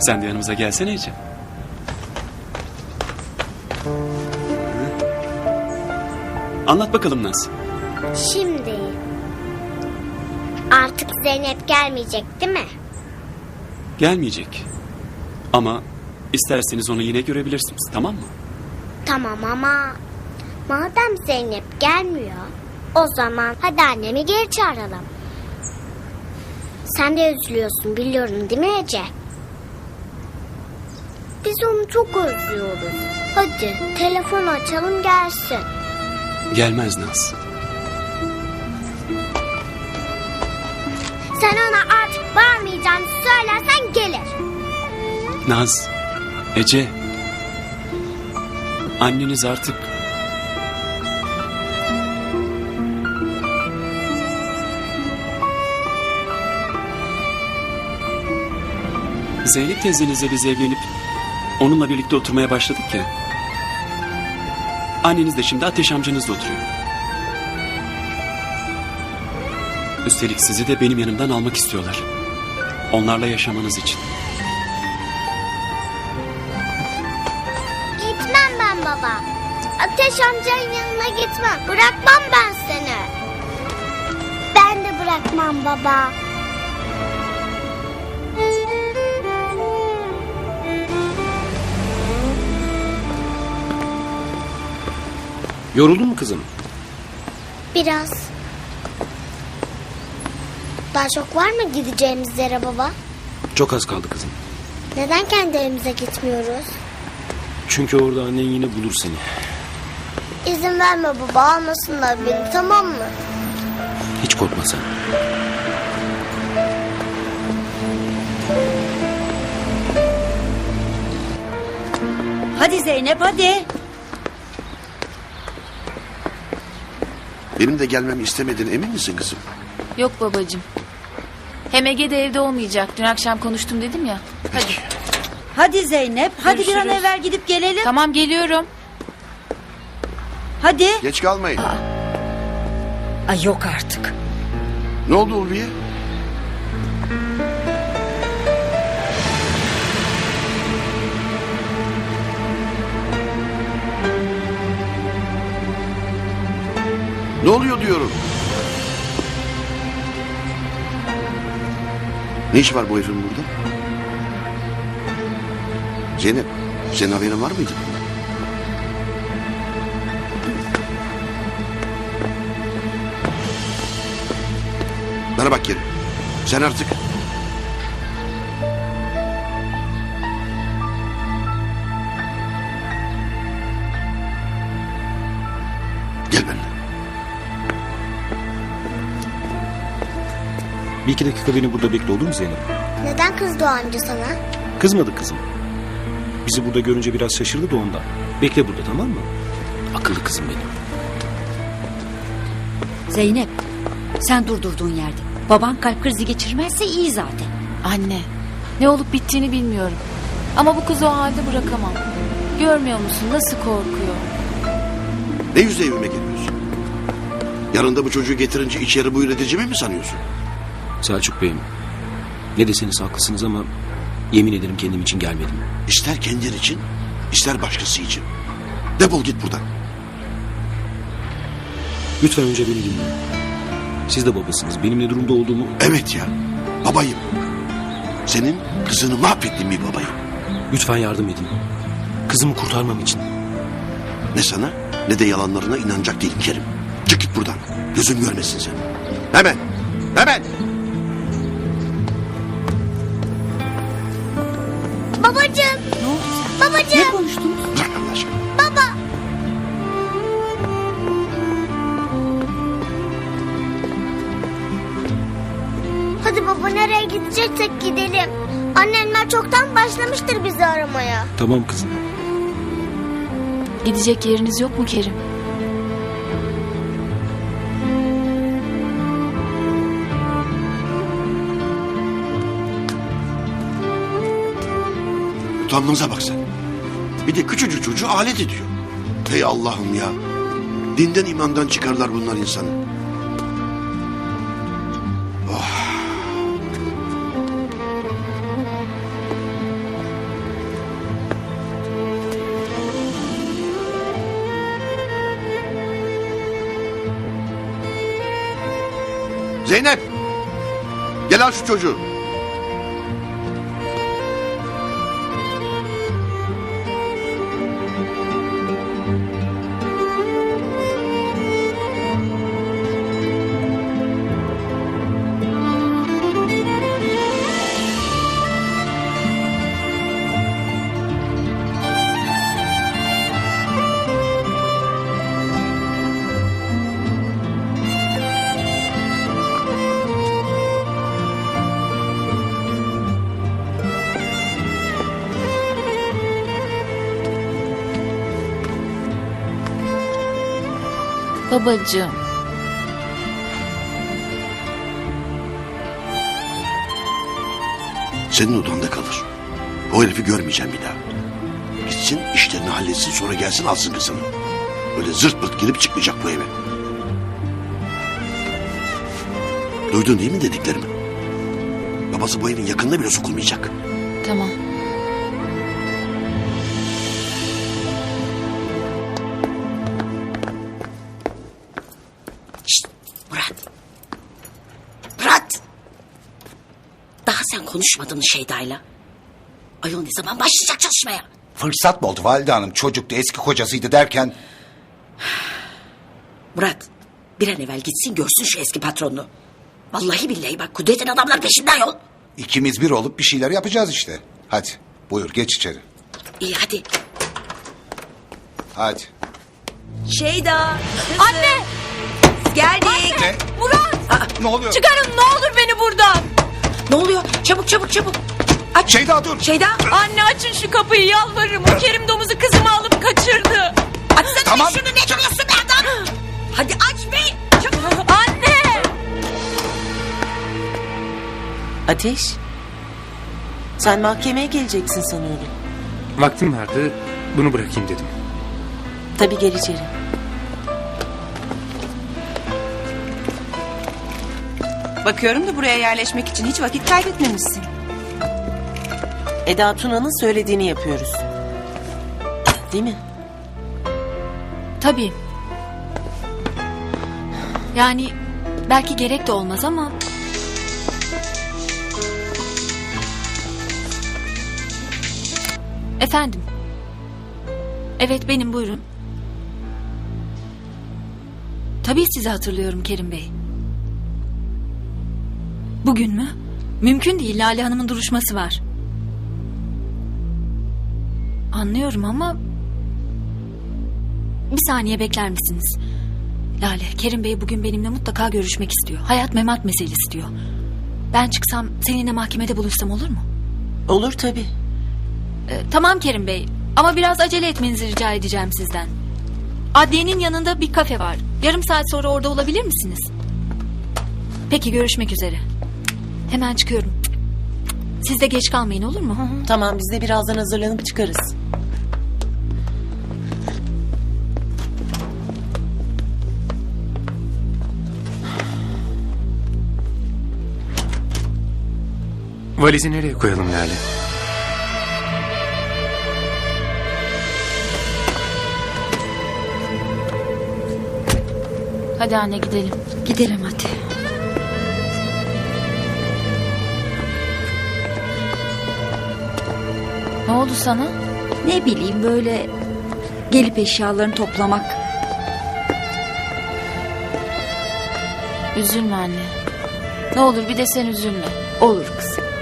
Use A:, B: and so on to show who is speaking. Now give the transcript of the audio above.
A: Sen de yanımıza gelsene Ece. Anlat bakalım Naz.
B: Şimdi artık Zeynep gelmeyecek değil mi?
A: Gelmeyecek. Ama isterseniz onu yine görebilirsiniz, tamam mı?
B: Tamam ama madem Zeynep gelmiyor, o zaman hadi annemi geri çağıralım. Sen de üzülüyorsun biliyorum değil mi Ece? Biz onu çok özlüyoruz. Hadi telefon açalım gelsin.
A: Gelmez Naz.
B: Sen ona artık varmayacağını söylersen gelir.
A: Naz, Ece. Anneniz artık... Zeynep teyzenizle biz evlenip onunla birlikte oturmaya başladık ya. Anneniz de şimdi Ateş amcanızla oturuyor. Üstelik sizi de benim yanımdan almak istiyorlar. Onlarla yaşamanız için.
B: Gitmem ben baba. Ateş amcanın yanına gitmem. Bırakmam ben seni. Ben de bırakmam baba.
C: Yoruldun mu kızım?
B: Biraz. Daha çok var mı gideceğimiz yere baba?
C: Çok az kaldı kızım.
B: Neden kendi evimize gitmiyoruz?
C: Çünkü orada annen yine bulur seni.
B: İzin verme baba, almasınlar beni, tamam mı?
C: Hiç korkma sen.
D: Hadi Zeynep hadi.
E: Benim de gelmemi istemediğine emin misin kızım?
F: Yok babacığım. Hem Ege de evde olmayacak. Dün akşam konuştum dedim ya. Hadi.
D: Hadi Zeynep. Hadi bir an
F: Görüşürüz.
D: evvel gidip gelelim.
F: Tamam geliyorum.
D: Hadi.
E: Geç kalmayın.
D: Ay yok artık.
E: Ne oldu Ulviye? Ne oluyor diyorum. Ne iş var bu herifin burada? Zeynep, senin haberin var mıydı? Bana bak Kerim. Sen artık... Gel benimle.
C: Bir iki dakika beni burada bekle, olur mu Zeynep?
B: Neden kızdı o amca sana?
C: Kızmadı kızım. Bizi burada görünce biraz şaşırdı da ondan. Bekle burada, tamam mı? Akıllı kızım benim.
D: Zeynep sen durdurduğun yerde. Baban kalp krizi geçirmezse iyi zaten.
F: Anne. Ne olup bittiğini bilmiyorum. Ama bu kızı o halde bırakamam. Görmüyor musun nasıl korkuyor?
E: Ne yüzle evime geliyorsun? Yanında bu çocuğu getirince içeri buyur edeceğimi mi sanıyorsun?
C: Selçuk Bey'im. Ne deseniz haklısınız ama yemin ederim kendim için gelmedim.
E: İster kendin için, ister başkası için. Defol git buradan.
C: Lütfen önce beni dinleyin. Siz de babasınız. Benim ne durumda olduğumu...
E: Evet ya, babayım. Senin kızını mahvettiğin bir babayım.
C: Lütfen yardım edin. Kızımı kurtarmam için.
E: Ne sana ne de yalanlarına inanacak değilim Kerim. Çık git buradan. Gözüm görmesin seni. Hemen, hemen.
B: Babacığım,
D: Ne oldu sen?
B: babacığım.
D: Ne konuştunuz?
E: Bırak Allah aşkına.
B: Baba. Hadi baba, nereye gideceksek gidelim. Annemler çoktan başlamıştır bizi aramaya.
C: Tamam kızım.
F: Gidecek yeriniz yok mu Kerim?
E: Utanmanıza bak sen. Bir de küçücük çocuğu alet ediyor. Hey Allah'ım ya. Dinden imandan çıkarlar bunlar insanı. Zeynep! Gel al şu çocuğu.
F: Babacığım.
E: Senin odanda kalır. O herifi görmeyeceğim bir daha. Gitsin işlerini halletsin sonra gelsin alsın kızını. Öyle zırt pırt girip çıkmayacak bu eve. Duydun değil mi dediklerimi? Babası bu evin yakınına bile sokulmayacak.
F: Tamam.
G: Murat. Murat. Daha sen konuşmadın Şeyda'yla. Ayol ne zaman başlayacak çalışmaya?
H: Fırsat mı oldu valide hanım? Çocuktu, eski kocasıydı derken...
G: Murat bir an evvel gitsin görsün şu eski patronunu. Vallahi billahi bak Kudret'in adamlar peşinden yol.
H: ikimiz bir olup bir şeyler yapacağız işte. Hadi buyur geç içeri.
G: İyi hadi.
H: Hadi.
I: Şeyda.
F: Anne!
I: Geldik.
H: Ne?
F: Murat!
H: Ne oluyor?
F: Çıkarın ne olur beni buradan.
G: Ne oluyor? Çabuk çabuk çabuk. Aç.
H: Şeyda dur.
G: Şeyda.
F: Anne açın şu kapıyı yalvarırım. O Kerim domuzu kızımı alıp kaçırdı.
G: Açsana
H: Tamam.
G: şunu ne duruyorsun be adam? Hadi aç be. Çabuk.
F: Anne!
I: Ateş. Sen mahkemeye geleceksin sanıyorum.
C: Vaktim vardı. Bunu bırakayım dedim.
I: Tabii gel içeri.
J: Bakıyorum da buraya yerleşmek için hiç vakit kaybetmemişsin.
I: Eda Tuna'nın söylediğini yapıyoruz. Değil mi?
F: Tabii. Yani belki gerek de olmaz ama... Efendim. Evet benim buyurun. Tabii sizi hatırlıyorum Kerim Bey. Bugün mü? Mümkün değil, Lale Hanım'ın duruşması var. Anlıyorum ama... Bir saniye bekler misiniz? Lale, Kerim Bey bugün benimle mutlaka görüşmek istiyor. Hayat memat meselesi diyor. Ben çıksam seninle mahkemede buluşsam olur mu?
I: Olur tabii.
F: Tamam Kerim Bey ama biraz acele etmenizi rica edeceğim sizden. Adliyenin yanında bir kafe var. Yarım saat sonra orada olabilir misiniz? Peki görüşmek üzere. Hemen çıkıyorum. Siz de geç kalmayın olur mu?
I: Tamam biz de birazdan hazırlanıp çıkarız.
C: Valizi nereye koyalım Lale?
F: Hadi anne gidelim.
D: Gidelim hadi.
F: Ne oldu sana?
D: Ne bileyim böyle gelip eşyalarını toplamak.
F: Üzülme anne. Ne olur bir de sen üzülme.
D: Olur kızım.